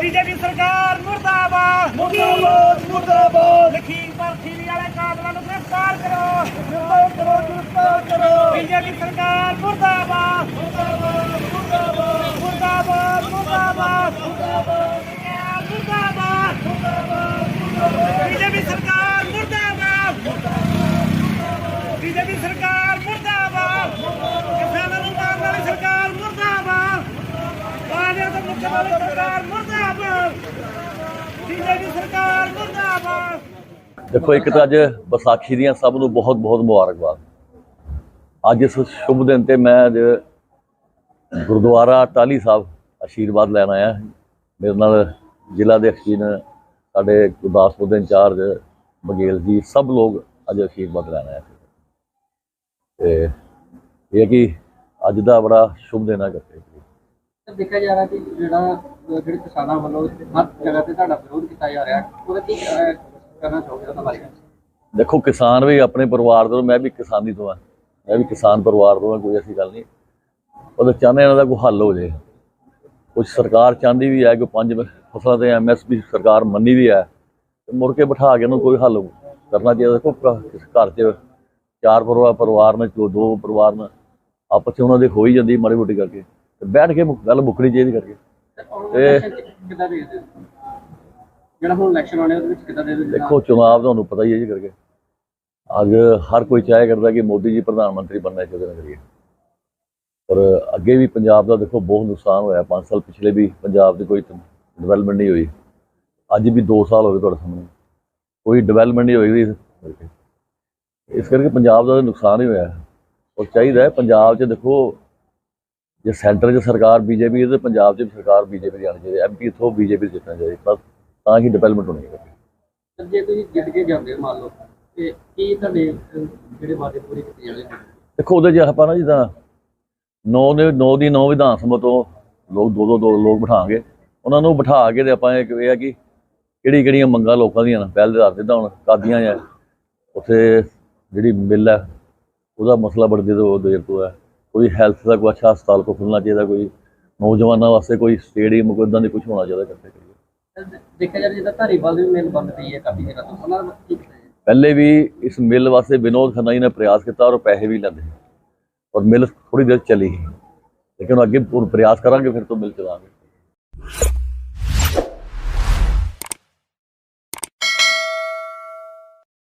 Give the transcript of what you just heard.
BJP सरकार मुर्दाबाद मुर्दाबाद मुर्दाबाद। लखीमपुर खीरी वाले कातलों को गिरफ्तार करो, गिरफ्तार करो, गिरफ्तार करो। बीजेपी सरकार मुर्दाबाद मुर्दाबाद मुर्दाबाद मुर्दाबाद मुर्दाबाद मुर्दाबाद बीजेपी सरकार मुर्दाबाद बीजेपी सरकार मुर्दाबाद किसानों को मारने वाली सरकार मुर्दाबाद पानी तो मुक्ति वाली सरकार मुर्दाबाद बीजेपी सरकार मुर्दाबाद। देखो एक तो अज विसाखी ਦੀਆਂ ਸਭ ਨੂੰ बहुत बहुत मुबारकबाद। ਅੱਜ इस शुभ दिन ਤੇ मैं अज गुरुद्वारा टाली साहब आशीर्वाद लैन आया। मेरे नाल जिला के अखीन साढ़े गुरदासपुर के इंचार्ज बघेल जी सब लोग अज आशीर्वाद लैन आए थे। ये कि अज का बड़ा शुभ दिन है। करते देखा जा रहा कि जो किसानों वालों हर जगह से विरोध किया जा रहा है, करना चाहोगे? देखो किसान भी अपने परिवार तो, मैं भी किसानी तो हाँ, मैं भी किसान परिवार तो हाँ, कोई ऐसी गल नहीं। और चाहते इन्हों का कोई हल हो जाए। कुछ सरकार चाहती भी है कि 5 फसलों से MSP सरकार मनी भी है, तो मुड़ के बिठा के कोई हल करना चाहिए। देखो घर च 4 परिवार ने, 2 परिवार ने आपस में उन्होंने हो ही जाती माड़ी मोटी करके, तो बैठ के गल मुकनी चाहिए करके। देखो चुनाव तो पता ही है जी करके, अज हर कोई चाहे करता कि मोदी जी प्रधानमंत्री बनना चाहते हैं करिए। पर अगे भी पंजाब का देखो बहुत नुकसान होया। 5 साल पिछले भी पंजाब की कोई डिवेलपमेंट नहीं हुई। अज भी 2 साल हो गए तुहाडे सामने कोई डिवेलपमेंट नहीं हुई। इस करके पंजाब का नुकसान ही होया। और चाहिए पंजाब च देखो जो सेंटर च सरकार BJP है तो पंजाब च सरकार BJP की आनी चाहिए। MP इतों BJP जितना चाहिए, ਤਾਂ ही डिवेलपमेंट होनी है। ਜੇ ਤੁਸੀਂ ਜਿੱਤ ਕੇ ਜਾਂਦੇ ਮੰਨ ਲਓ ਤੇ ਕੀ ਤੁਹਾਡੇ ਜਿਹੜੇ ਵਾਅਦੇ ਪੂਰੇ ਕੀਤੇ ਜਾਣੇ? देखो ਉਹਦੇ 'ਚ ਆਪਾਂ ਨਾ ਜਿੱਦਾਂ 9 ਵਿਧਾਨ ਸਭਾ ਤੋਂ ਲੋਕ 2 ਲੋਕ ਬਿਠਾਵਾਂਗੇ। ਉਹਨਾਂ ਨੂੰ ਬਿਠਾ ਕੇ ਤੇ ਆਪਾਂ ਇਹ ਹੈ ਕਿ ਕਿਹੜੀਆਂ ਮੰਗਾਂ ਲੋਕਾਂ ਦੀਆਂ ਪਹਿਲ ਦੇ ਆਧਾਰ 'ਤੇ ਤਾਂ ਹੁਣ ਕਰਦੀਆਂ ਆ। ਉੱਥੇ ਜਿਹੜੀ ਮਿਲ ਹੈ ਉਹਦਾ ਮਸਲਾ ਬੜੀ ਦੇਰ ਤੋਂ ਹੈ। ਕੋਈ ਹੈਲਥ ਦਾ ਕੋਈ ਅੱਛਾ ਹਸਪਤਾਲ ਕੋ ਖੁੱਲ੍ਹਣਾ ਚਾਹੀਦਾ, ਕੋਈ ਨੌਜਵਾਨਾਂ ਵਾਸਤੇ ਕੋਈ ਸਟੇਡੀਅਮ ਕੋਈ ਇੱਦਾਂ ਦੀ ਕੁਛ ਹੋਣਾ ਚਾਹੀਦਾ ਕਰਦੇ। ਦੇਖਿਆ ਜਾਵੇ ਜਿੱਦਾਂ ਧਾਰੀਵਾਲ ਦੀ ਮਿਲ ਬੰਦ ਪਈ ਹੈ ਕਾਫੀ ਜਗ੍ਹਾ ਤੋਂ, ਉਹਨਾਂ ਦਾ ਕੀ ਕੀਤਾ? ਪਹਿਲੇ ਵੀ ਇਸ ਮਿਲ ਵਾਸਤੇ ਵਿਨੋਦ ਖੰਨਾ ਜੀ ਨੇ ਪ੍ਰयास ਕੀਤਾ और पैसे भी ਲੈਂਦੇ और मिल थोड़ी देर चली ही, लेकिन अगे प्रयास करांगे फिर तो मिल चलाएंगे।